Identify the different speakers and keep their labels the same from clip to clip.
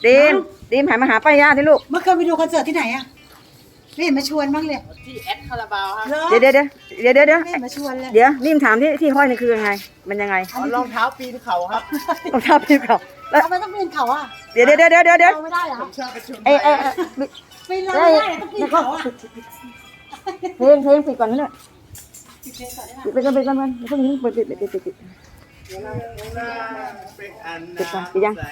Speaker 1: ดีมดีมหันมาหาป้าย่าที่ลูก
Speaker 2: เมื่อคืนไปดูคอนเสิร์ตที่ไหนอะไม่เห็นมาชวนบ้างเลย
Speaker 3: ที่แอดคาราบาวครับ
Speaker 2: เหรอ
Speaker 1: เดี๋ยว
Speaker 2: ไม่เห็นมาชวนเลย
Speaker 1: เดี๋ยวนี่มถามที่ห้อยนี่คือยังไง มันยังไง
Speaker 3: เอารองเท้าปีนเขาครับ
Speaker 1: รองเท้าพี่เขาแล้ว
Speaker 2: ทำไมต้องปีนเขาอะ
Speaker 1: เดี๋ยว
Speaker 2: เราไม่ได้เหรอ
Speaker 3: ผมชอบประชุม
Speaker 1: เอ้ย
Speaker 2: ปีนเราไม่ได้ต้องปีนเขาอะ
Speaker 1: เพลงปิดก่อนนะเนี่ยปิดก่อนพวกนี้ปิด
Speaker 3: เป็นอัน
Speaker 1: ปิดก่อนปิดยัง
Speaker 3: ใส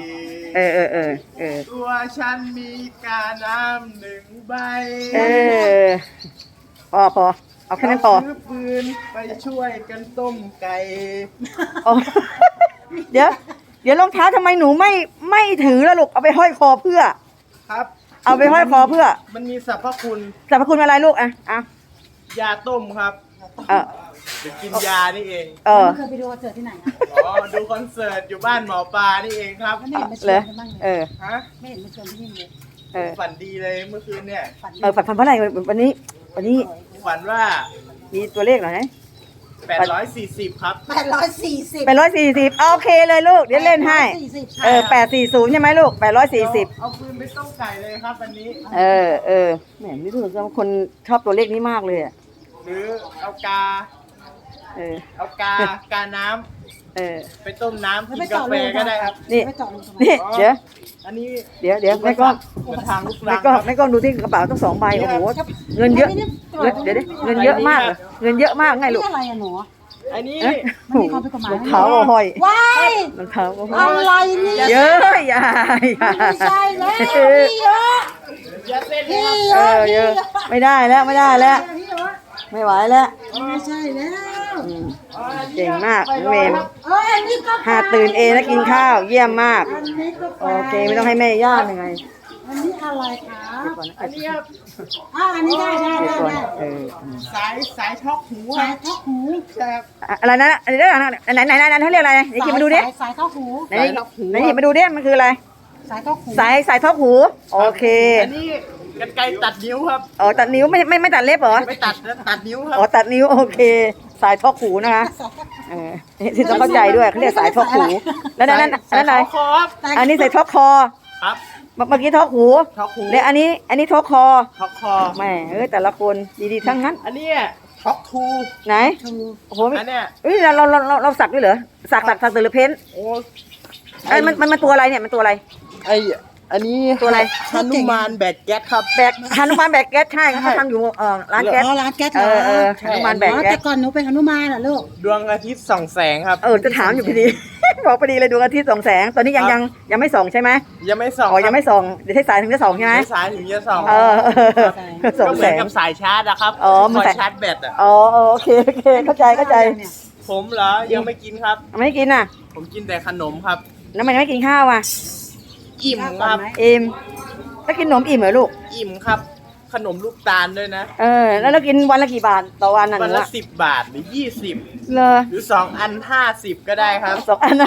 Speaker 3: ตัวฉันมีกาน้ำหนึ่งใบ
Speaker 1: พอเอาแค่นั้นพอ
Speaker 3: ซื้อปืนไปช่วยกันต้มไก่
Speaker 1: เดี๋ยวรองเท้าทำไมหนูไม่ถือแล้วลูกเอาไปห้อยคอเพื่อ
Speaker 3: ครับ
Speaker 1: เอาไปห้อยคอเพื่อ
Speaker 3: มันมีสรรพคุณ
Speaker 1: สรรพคุณอะไรลูกอ่ะ
Speaker 3: ยาต้มครับ
Speaker 1: เออ
Speaker 3: เดี๋ยวกินยานี่เอง
Speaker 1: เออ
Speaker 2: เมื่อคืนไปดูคอนเสิร์ตที่ไหนอะ
Speaker 3: อ๋อ ดูคอนเสิร์ตอยู่บ้านหมอปลานี่เองครับ
Speaker 2: ไม่เห็นมาช
Speaker 1: เล
Speaker 2: วน
Speaker 1: ย
Speaker 2: กันบ้างเล
Speaker 1: เอย อ
Speaker 3: ฮะ
Speaker 2: ไม่เห็นมาชวนที่นี่เลย
Speaker 1: เออ
Speaker 3: ฝันดีเลยเมื่อคืนเนี่ย
Speaker 2: ฝันดี
Speaker 1: ฝันเพราะอะไรวันนี้
Speaker 3: ฝันว่า
Speaker 1: มีตัวเลขหน่อยไหม
Speaker 3: 840 ครับ
Speaker 2: 840
Speaker 1: 840โอเคเลยลูกเดี๋ยวเล่นให้ 840ใช่ไหมลูก840
Speaker 3: เอาปืนไปต้มไก่เลยครับวันนี้
Speaker 1: แหมนี่รู้สึกว่าคนชอบตัวเลขนี้มากเลยอ่ะ
Speaker 3: หรือเอากาน้ำไปต้มน้ำกินกาแฟก็ได้ครับ
Speaker 1: นี่
Speaker 2: ไม่เจาะลงทำไม
Speaker 1: นี่เดี๋ยว
Speaker 3: อันนี้
Speaker 1: เดี๋ยวแม่ก้อง
Speaker 3: กระถางลูก
Speaker 1: แม่
Speaker 3: รัง
Speaker 1: ก้อง
Speaker 3: ครับ
Speaker 1: แม่ก้องดูที่กระเป๋าต้อง2ใบโอ้โหเงินเยอะเดี๋ยวเงินเยอะมากเงินเยอะมากไงลู
Speaker 2: นี่
Speaker 1: ก
Speaker 2: อะไรอะหนู
Speaker 3: อันนี้
Speaker 2: มันมีความผิดกฎหมาย
Speaker 1: รองเท้าห้อย
Speaker 2: ว้าย
Speaker 1: รองเท้าห้อย
Speaker 2: อะไรเนี่ย
Speaker 1: เยอะอย่า
Speaker 2: ไม่ใช่แล้วพี่เยอะ
Speaker 3: อย่าเส้น
Speaker 2: พี่
Speaker 3: ครับ
Speaker 2: เยอะ
Speaker 1: เยอะไม่ได้แล้วไม่ไหวแล้ว
Speaker 2: ไม่ใช่แล้ว
Speaker 1: เก่งมากน้องเมม
Speaker 2: อันนี้ก็
Speaker 1: หาตื่นเองแล้วกินข้าวเยี่ยมมาก
Speaker 2: อันนี้ก็
Speaker 1: โอเคไม่ต้องให้แม่ย่ายังไง
Speaker 2: อันนี้อะไรคะ
Speaker 3: อันนี้ครับ
Speaker 2: อันนี้ได้
Speaker 1: เดี๋ยวก่อน
Speaker 3: สายช็อกหูค
Speaker 2: สา
Speaker 3: รั
Speaker 2: ย
Speaker 3: บ
Speaker 2: ทอกหู
Speaker 3: ครับ
Speaker 1: อะไรนะอันนี้ได้ไหนเขาเรียกอะไรไหนหยิบมาดูดิ
Speaker 2: สายทอกหู
Speaker 1: ไหนหยิบมาดูดิมันคืออะไร
Speaker 2: สายทอกหู
Speaker 1: สายทอกหูโอเค
Speaker 3: อันนี้กันไกรตัดนิ้วครับ
Speaker 1: อ๋อตัดนิ้วไม่ตัดเล็บเหรอ
Speaker 3: ไม่ตัดนะตัดนิ้วครับ
Speaker 1: อ๋อตัดนิ้วโอเค สายทอกหูนะคะที่ต้องเข้าใจด้วยเขาเรียกสายทอกหูแล้วนั่นอะไร
Speaker 3: คอครับ
Speaker 1: อันนี้ใส่ทอกคอ
Speaker 3: ครับ
Speaker 1: เมื่อกี้ทอกหู
Speaker 3: ช็อกหู
Speaker 1: และอันนี้ทอกคอ
Speaker 3: ช็อกคอ
Speaker 1: แหมแต่ละคนดีๆทั้งนั้น
Speaker 3: อันนี้ช็อกทู
Speaker 1: ไหน
Speaker 2: ชู
Speaker 1: โอ้โห
Speaker 3: อันเนี้ย
Speaker 1: เราสักด้วยเหรอสักหรือเพ้น
Speaker 3: โอ้
Speaker 1: มันตัวอะไรเนี่ยมันตัวอะไร
Speaker 3: อันนี้
Speaker 1: ตัวอะไร
Speaker 3: ฮนุมานแบกแก๊สครับ
Speaker 1: แบกฮานุมานแบกแก๊สใช่เขาทำอยู่ร้านแก๊ส
Speaker 2: ร้านแก๊สเหรอ
Speaker 1: ฮานุมานแบก
Speaker 2: อ๋อ
Speaker 1: แก๊
Speaker 2: แต่
Speaker 1: ส
Speaker 2: ก่อนหนูเป็นหนุมานเหรอลูก
Speaker 3: ดวงอาทิตย์ส่องแสงครับ
Speaker 1: จะถามอยู่พอดี บอกพอดีเลยดวงอาทิตย์ส่องแสงตอนนี้ยังไม่ส่องใช่ไหม
Speaker 3: ยังไม่ส่อง
Speaker 1: อ๋อยังไม่ส่องเดี๋ยวให้สายถึงจะส่องใช่ไหม
Speaker 3: ไม่สายถึงจะส่อง
Speaker 1: ส่อง
Speaker 3: ก็เห
Speaker 1: แส
Speaker 3: มือน
Speaker 1: ง
Speaker 3: กับสายชาร์จอะครับ
Speaker 1: อ๋อมัน
Speaker 3: คอย
Speaker 1: ใส่
Speaker 3: ชาร์จแบตอะ
Speaker 1: โอเคเข้าใจ
Speaker 3: ผมเหรอยังไม่กินครับ
Speaker 1: ไม่กินอ่ะ
Speaker 3: ผมกินแต่ขนมครับ
Speaker 1: แล้วมันไม่กินข้าวอ่ะ
Speaker 3: อิ่มครับ
Speaker 1: อิ่มแล้วกินขนมอิ่มเหรอลูก
Speaker 3: อิ่มครับ ขนมลูกตาลด้วยนะ
Speaker 1: แล้วเรากินวันละกี่บาทต่อวันน่ะห
Speaker 3: วัน
Speaker 1: นู
Speaker 3: ละ
Speaker 1: อะ
Speaker 3: 10 บาทหรือ 20
Speaker 1: เลย
Speaker 3: หรือ2 อัน 50 ก็ได้ครับ
Speaker 1: 2 อัน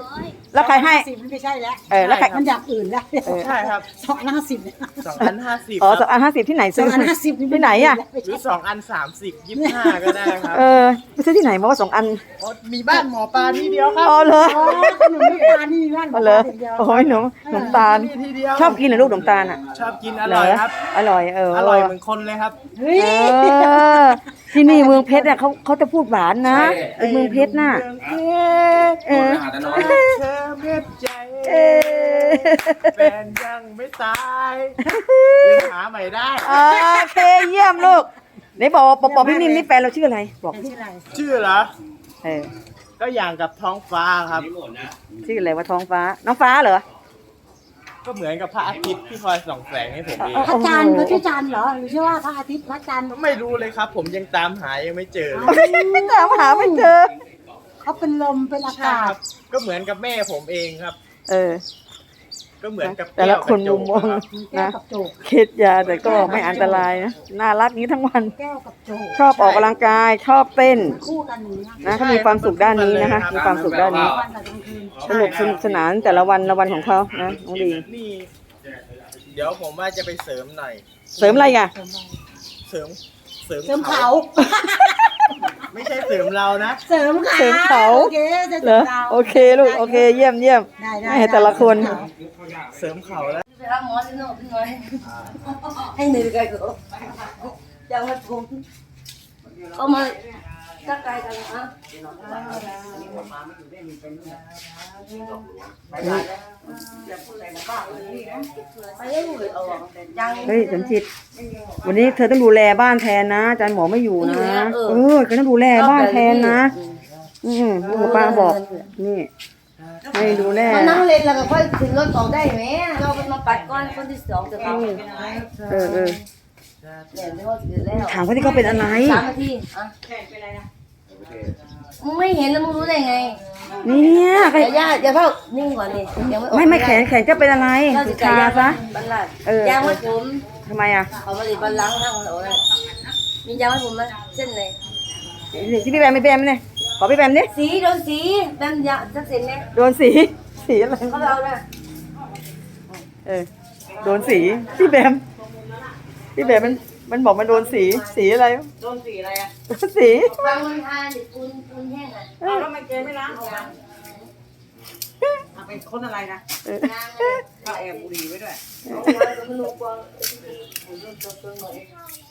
Speaker 1: 50แล้วใครให้
Speaker 2: 50ไม่ใช่แล้ว
Speaker 1: แล้วใคร
Speaker 2: มันอย่างอื่นแล้ว
Speaker 3: ใช่ครับ
Speaker 2: 250เนี่ย
Speaker 3: 2 อัน 50
Speaker 1: อ๋อ
Speaker 3: ครับ
Speaker 1: 2 อัน50ที่ไหนซื้อ
Speaker 2: 2 อัน 50
Speaker 1: ที่ไหนอ่ะ
Speaker 3: หรือ2 อัน 30 25 ก็ได้ครับ
Speaker 1: ไปซื้อที่ไหนมาว่า2 อัน
Speaker 3: อ๋อมีบ้านหมอปลาที่เดียวครับ
Speaker 1: อ๋อเหรอ
Speaker 2: อ๋อขนมลูกตาลนี่บ้าน
Speaker 1: อ๋อเหรอโอ้ยหนมตาล
Speaker 3: มีที่เดียว
Speaker 1: ชอบกินเหรอลูกขนมตาลอ่ะ
Speaker 3: ชอบกินอร่อยครับ
Speaker 1: อร่อย
Speaker 3: อร่อยเหมือนคนเลยครับ
Speaker 2: เฮ้ย
Speaker 1: ที่นี่เมืองเพชรเนี่ยเขาจะพูดหวานนะเป็นเมืองเพชรน่ะ
Speaker 3: เมืองเพชร
Speaker 1: เออ
Speaker 3: เธอเพชรใจ
Speaker 1: เออ
Speaker 3: แฟนยังไม่ตายยังหาใหม่ได้
Speaker 1: โอเคเยี่ยมลูกไหนบอกพี่นิ่มนี่แฟนเราชื่ออะไรบอก
Speaker 2: ชื่ออะไร
Speaker 3: ชื่อเหรอ
Speaker 1: เออ
Speaker 3: ก็อย่างกับท้องฟ้าครับ
Speaker 1: ชื่ออะไรว่าท้องฟ้าน้องฟ้าเหรอ
Speaker 3: ก็เหมือนกับพระอาทิตย์ที่คอยส่องแสงให้ผมเอง
Speaker 2: พระจันทร์เขาชื่อจันทร์เหรอหรือชื่อว่าพระอาทิตย์พระจันทร์
Speaker 3: ไม่รู้เลยครับ ผมยังตามหายังไม่เจอเลย
Speaker 1: ถามหาไม่เจอ
Speaker 2: เขาเป็นลมเป็นอา
Speaker 3: ใช่
Speaker 2: กา
Speaker 3: ค
Speaker 2: ศ
Speaker 3: รับ ก็เหมือนกับแม่ผมเองครับ
Speaker 1: เออ
Speaker 3: ก็เหมือนกับ
Speaker 1: แต่ละคนมุมมอง
Speaker 2: แก้ว
Speaker 1: นะ
Speaker 2: กับโจก
Speaker 1: เคสยาแต่ก็ไม่อันตรายนะน่ารักนี้ทั้งวัน
Speaker 2: แก้วกับโจก
Speaker 1: ชอบออกกำลังกายชอบเต้น
Speaker 2: คู่กันอย่างนี้นะ
Speaker 1: นะเขามีความสุขด้านนี้นะคะมีความสุขด้านนี้
Speaker 2: วันกับกลางคืน
Speaker 1: สนุกสนานแต่ละวันของเขานะน้องดี
Speaker 3: นี่ เดี๋ยวผมว่าจะไปเสริมหน่อย
Speaker 1: เสริมอะไรอ่ะ
Speaker 3: เสริม
Speaker 2: เสริมเขา
Speaker 3: ไม่ใช่เสริมเรานะ
Speaker 2: เสริมค่ะ
Speaker 1: เสริมเขา
Speaker 2: โอเคจะ
Speaker 1: เหรอ
Speaker 2: เรา
Speaker 1: โอเคลูกโอเคเยี่ยมเยี่ยม
Speaker 2: ได้ได้
Speaker 1: แม่แต่ละคน
Speaker 3: เสริมเขาแล้ว
Speaker 4: ไปหาหมอสิโน่พี่น้อยให้เหนื่อยกันก็จะมาทุมก็มาทักทายกันนะไปเรื่อยๆเอายัง
Speaker 1: เฮ้ยสมจิต วันนี้เธอต้องดูแลบ้านแทนนะอาจารย์หมอไม่อยู่นะก็ต้องดูแลบ้านแทนนะลูกกับป้าบอก นี่ให้ดูแล
Speaker 4: มานั่งเล่นแล้วก็ค่อยขึ้นรถออกได้ไหมเราเป็นมาปัดก้อนคนที่สองจะทำ
Speaker 1: เออ
Speaker 4: เนี่ยเดี๋ยวเขาถือแล้ว
Speaker 1: ถามเขาที่เขาเป็นอะไร
Speaker 4: 3 นาทีอ่ะมึงไม่เห็นแล้วมึงรู้ได้ไง
Speaker 1: เนี่ยใคร
Speaker 4: อย่าเพิ่งนิ่งก่อนดิยังไม่ออก
Speaker 1: ไม่แขนจะเป็นอะไร
Speaker 4: เราจะ
Speaker 1: ชาซะ
Speaker 4: บันลัด
Speaker 1: เออ
Speaker 4: ยางมัดผม
Speaker 1: ทำไมอ่ะ
Speaker 4: เขามาดิบันลังทางเราเลยมียางมัดผมไหมเส้นเลย
Speaker 1: ที่พี่แบมเนี่ยขอพี่แบมดิ
Speaker 4: สีโดนสีแบมยาสักเส้นไหม
Speaker 1: โดนสีอะไร
Speaker 4: เขาไปเอาเนี่ย
Speaker 1: โดนสีพี่แบมมันบอกมันโดนสีอะไร
Speaker 4: โดนสีอะไรอ่ะ
Speaker 1: โดนสี
Speaker 4: บางมันทานดิปูนแห้งอ่ะ
Speaker 2: เอาแล้วมันเกไม่ล้างออกมาเอาเป็นคนอะไรนะ
Speaker 4: ยางเลย
Speaker 2: ก็แอบบุหรี่ไว้ด้วย
Speaker 4: เอาไว้ก็ไม่รู้กว่าผมโดนตัวหน่อย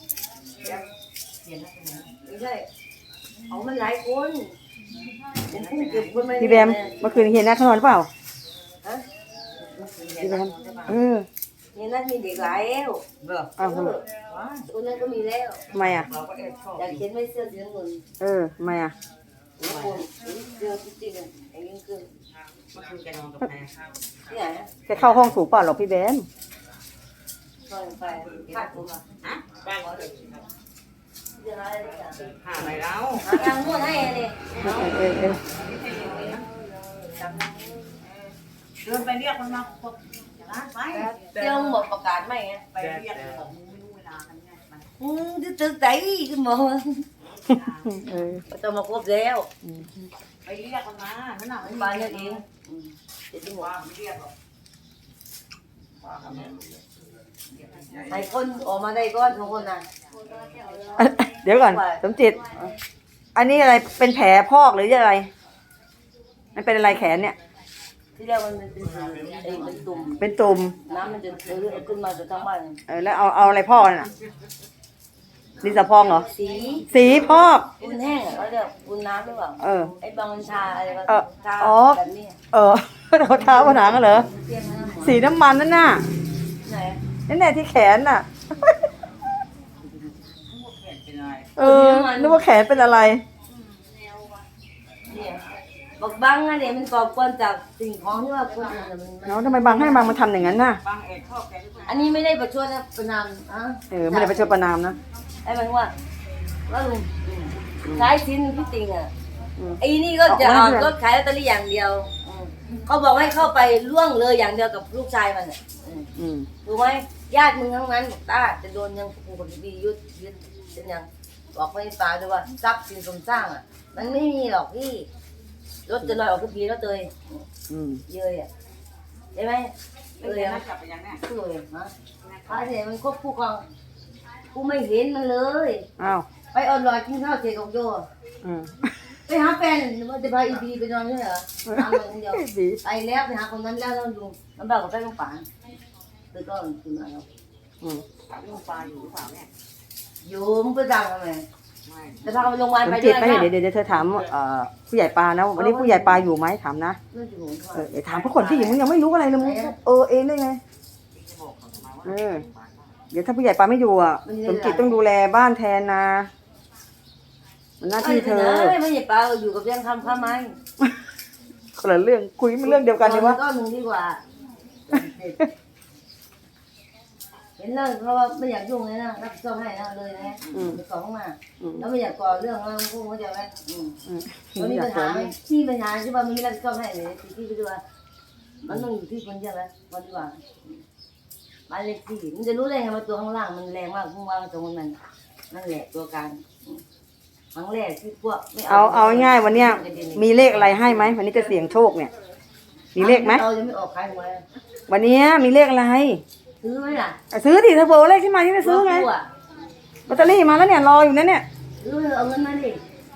Speaker 4: ไม่ใช่เอามันหลายคนผมเพิ่งเก็บคนมา
Speaker 1: พี่แบมเมื่อคืนเห็นหน้าเขานอนหรือเปล่า
Speaker 4: ฮะ
Speaker 1: พี่แบม
Speaker 4: เนี่ยนั่นมีเด็กหลายแล้ว
Speaker 1: อ้าวทำไม
Speaker 4: ตัวนั้นก็มีแล้ว
Speaker 1: ทำไมอ่ะ
Speaker 4: อยากเขียนไม่เสื้อสีน้ำเงิน
Speaker 1: ทำไมอ่ะ
Speaker 4: หัวคนเสื้อจริงๆอ่ะไอ้ยิ่งเกิน
Speaker 2: เมื่อคืนแกนอนกับใคร
Speaker 4: ที่ไหนอ่ะ
Speaker 1: แกเข้าห้องสูงเปล่าหรอกพี่แบม
Speaker 4: ซอยไปคาดผมอ่ะ
Speaker 2: ฮะบ้านเขา
Speaker 4: เดี๋ยวอะไรเนี่ย
Speaker 2: หาอะไรแล้ว
Speaker 4: หาทางนวดให้เลย
Speaker 2: เดินไปเรียกมันมาบอกร้านไป
Speaker 4: เดี๋ยวหมดประกาศไหมอ่ะ
Speaker 2: ไปเรียกบอกมึงไม่รู้เวลากันไงไป
Speaker 4: จะตึกไหนขึ้นมาต้องมาครบแล้ว
Speaker 2: ไปเรียกมันมานั่นน่ะ
Speaker 4: บ้านนั่นเองเดี๋ยวที่หมด
Speaker 2: ว่าไม่เรียกหรอก
Speaker 4: ให้คนออกมาได้ก้อนทุกคนน่ะ
Speaker 1: เดี๋ยวก่อนสมจิต อันนี้อะไรเป็นแผลพอกหรืออะไร มันเป็นอะไรแขนเนี่ย
Speaker 4: ที่แรกมันเป็นเป็นตุ่ม
Speaker 1: เป็นตุ่ม
Speaker 4: น้ำมันจะขึ้นมาจากทั้งบ้าน
Speaker 1: แล้วเอาอะไรพอกน่ะดินสะพองเหรอ
Speaker 4: สี
Speaker 1: สีพอก
Speaker 4: ปูนแห้งเขาเรียกปูนน้ำหรือเปล่าไอ้บางมันชาอะไรก็ชาแบบนี้
Speaker 1: เขาเท้าผนังเหรอ
Speaker 4: เปรี้ยงนะ
Speaker 1: สีน้ำมันนั่นน่ะ
Speaker 4: ไหน
Speaker 1: นั่นแหละที่แขนน่ะ
Speaker 2: เป็นอะไร
Speaker 1: นึกว่าแขนเป็นอะไร
Speaker 4: เนี่ยบอกบังอะเนี่ยมันก่อกวนจากสิ่งของที่ว่าคนอื่นมัน
Speaker 1: แล้วทำไมบางให้บางมาทำอย่างนั้นน่ะ
Speaker 2: บางเอกชอบแกหรือเปล่า
Speaker 4: อันนี้ไม่ได้ประชดนะประนามอ่ะ
Speaker 1: ไม่ได้ไปชดประนามนะ
Speaker 4: ไอ้มันว่าลุงใช้ชิ้นพี่ติงอ่ะไอ้นี่ก็จะเอารถขายลอตเตอรี่อย่างเดียวเขาบอกให้เข้าไปล่วงเลยอย่างเดียวกับลูกชายมันอ่ะถูกไหมญาติมึงทั้งนั้นบอกตาจะโดนยังกูกับพี่ยึดเป็นยังบอกไม่ฟ้าด้วยว่าทรัพย์สินสมสร้างอ่ะมันไม่มีหรอกพี่รถจะลอยออกทุกทีแล้วเตยเยยอ่ะใช่ไหม
Speaker 2: ไม่เรียนนะกลับไปยังเนี่ย
Speaker 4: พูดเลยฮะพระเนี่ยมันควบคู่กันกูไม่เห็นมันเลย
Speaker 1: อ้าว
Speaker 4: ไปออนไลน์กินข้าวเสร็จกับโยไปหาแฟนว่าจะพาอีบีไปนอนใช่เหรอทำคนเดียวไปแล้วไปหาคนนั้นแล้วต้องดูมันบอกกับแฟนลูกป่านคือก็คือมาแล้ว
Speaker 2: ลูกปลาอยู่หรือเปล่าเนี่ย
Speaker 4: อยู่มึงไปดังทำไม
Speaker 2: ไม่
Speaker 4: จะพาไปโรงพยาบาล
Speaker 1: สม
Speaker 4: ไป
Speaker 1: จิ
Speaker 4: ด้
Speaker 1: ต
Speaker 4: วย
Speaker 1: ไม่
Speaker 4: นะ
Speaker 1: เดี๋ยวเธอถามผู้ใหญ่ปลานะวันนี้ผู้ใหญ่ปลาอยู่ไหมถามนะ
Speaker 4: เรื่องอยู่ของเขา
Speaker 1: เดี๋ยวถามพวกคนที่อยู่มึงยังไม่รู้อะไรเลยมึงเองได้ไง
Speaker 2: จะบอกเขาทำไมว่า
Speaker 1: เดี๋ยวถ้าผู้ใหญ่ปลาไม่อยู่อ่ะสมจิตต้องดูแลบ้านแทนนะมันหน้าที่เธอ
Speaker 4: ไม่ใช่เปล่าอยู่กับเรื่องทำข้าไม้
Speaker 1: คนละเรื่องคุยไม่เรื่องเดียวกันเลยวะ
Speaker 4: ก็มึงดีกว่าเห็นเรื่องเพราะว่าไม่อยากยุ่งเลยนะรับผิดชอบให้นะเลยนะไปสองมาแล้วไม่อยากก่อเรื่องแล้วพูดเขาจะไหมมันมีปัญหาไหมที่ปัญหาที่ว่ามันไม่รับผิดชอบให้เลยที่ไปดูว่ามันต้องอยู่ที่คนเดียวแล้ววันดีกว่าบ้านเล็กที่มันจะรู้ได้ไงว่าตัวข้างล่างมันแรงมากพุ่งวางตรงนั้นนั่นแหละตัวการครั้งแรกที่พวกไม่
Speaker 1: เอาง่ายวันเนี้ยมีเลขอะไรให้ไหมวันนี้จะเสี่ยงโชคเนี่ย มีเลขไหม
Speaker 4: เราจะไม่ออกขายหวย
Speaker 1: วันนี้มีเลขอะไร
Speaker 4: ซื้อไหมล่ะ
Speaker 1: ซื้อดิเธอบอกเลขที่มาที่จะซื้อไงลอตเตอรี่มาแล้วเนี่ยรออยู่นั่นเนี่ย
Speaker 4: ซื้อเอาเงินมาดิ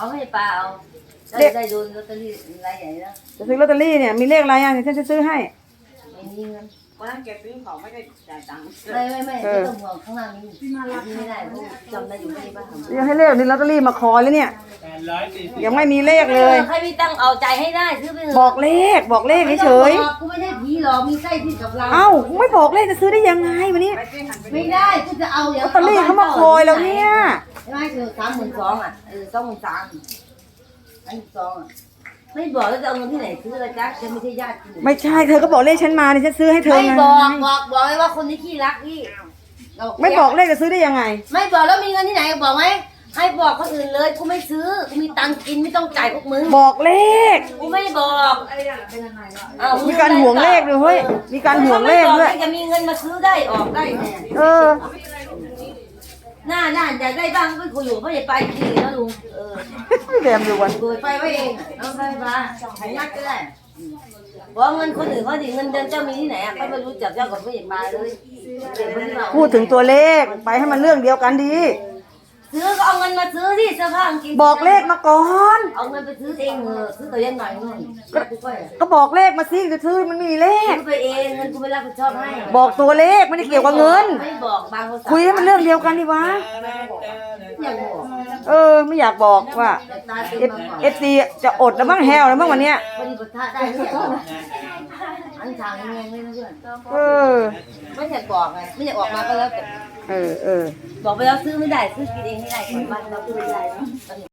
Speaker 4: เอาให้ปลาเอาได้โดนลอตเตอรี่รายใหญ่แล้ว
Speaker 1: จะซื้อลอตเตอรี่เนี่ยมีเลขอะไรอ่ะเดี๋ยวฉันจะซื้อให้
Speaker 4: ไม่มีเงิน
Speaker 2: วันนั้นแกซื้อของไม่ได้จ่ายตังค์
Speaker 4: ไม่ต้องห่วงข้างล่างนี้ไม่ได้จำได้อยู่ที่บ้าน
Speaker 1: ยังให้เลขนี่ลอตเตอรี่มาคอยแล้วเนี่ย
Speaker 3: 840
Speaker 1: ยังไม่มีเลขเลย
Speaker 4: ใครมีตังเอาใจให้ได้ซื้อไปเถอะ
Speaker 1: บอกเลขเฉย
Speaker 4: กูไม่ได้ผีหรอกมีไส้ที่กับเรา
Speaker 1: ๆเอ้าไม่บอกเลขจะซื้อได้ยังไงวันนี้
Speaker 4: ไม่ได้กูจะเอา
Speaker 1: ลอตเตอรี่เขามาคอยแล้วเนี่ย
Speaker 4: ใช่ไหมคือ32,000อ่ะ23,000อัน2อ่ะไม่บอกแล้วจะเอาเงินที่ไหนซื้อละจ๊ะฉันไม่ใช่ญาติคุณ
Speaker 1: ไม่ใช่เธอก็บอกเลขฉันมาเนี่ยฉันซื้อให้เธอ
Speaker 4: ไม่
Speaker 1: ไง
Speaker 4: บอกเลยว่าคนนี้ขี้รักพี่
Speaker 1: ไม่บอกเลขจะซื้อได้ยังไง
Speaker 4: ไม่บอกแล้วมีเงินที่ไหนบอกไหมให้บอกคนอื่นเลยกูไม่ซื้อกูมีตังค์กินไม่ต้องจ่ายพวกมึง
Speaker 1: บอกเลข
Speaker 4: กูไม่บอก
Speaker 1: มีการห่วงเลขด้วยเฮ้ยมีการห่วงเลขด้วย
Speaker 4: จะมีเงินมาซื้อได้ออกได้แน่
Speaker 1: เออ
Speaker 4: หน้าอยากได้บ้างก็คุยอยู่เพราะอย่าไปทีนะลุง
Speaker 1: แดมดูวัน
Speaker 4: เปิดไฟไว้เองเอาไฟฟ้าให้ยัดก็ได้บอกเงินคนอื่นเขาดิเงินเดือนเจ้ามีที่ไหนอ่ะเขาไม่รู้จักเจ้ากับไม่อย่าไปเลย
Speaker 1: พูดถึงตัวเลขไปให้มันเรื่องเดียวกันดี
Speaker 4: ซื้อก็เอาเงินมาซื้อที่เสื้อผ้ากางเกง
Speaker 1: บอกเลขมาก่อน
Speaker 4: เอาเงินไปซื้อเองซื้อตัวยันหน่อยนู่นกูก็
Speaker 1: ก็บอกเลขมาสิจะซื้อมันไม่มีเลข
Speaker 4: ซื้อไปเองเงินกูไม่รับผิดชอบให้
Speaker 1: บอกตัวเลขไม่ได้เกี่ยวกับเงิน
Speaker 4: ไม่บอกบางภาษา
Speaker 1: คุยให้มันเรื่องเดียวกันดิวะ
Speaker 4: อยากบอก
Speaker 1: ไม่อยากบอกว่า
Speaker 4: ตาเต็มมาก่อน
Speaker 1: เอฟซีจะอดแล้วบ้างแฮวแล้วบ้างวันเนี้ย
Speaker 4: พอดีปะทะได้ไม่อยากบอกอันทางงงเลยนะเพื่อน
Speaker 1: เออ
Speaker 4: ไม่อยากบอกไงไม่อยากออกมาก็แล้วแต่
Speaker 1: เออ
Speaker 4: บอกไปแล้วซื้อไม่ได้ซื้อกินเองไม่ได้กลับบ้านเราซื้อไม่ได้เนาะ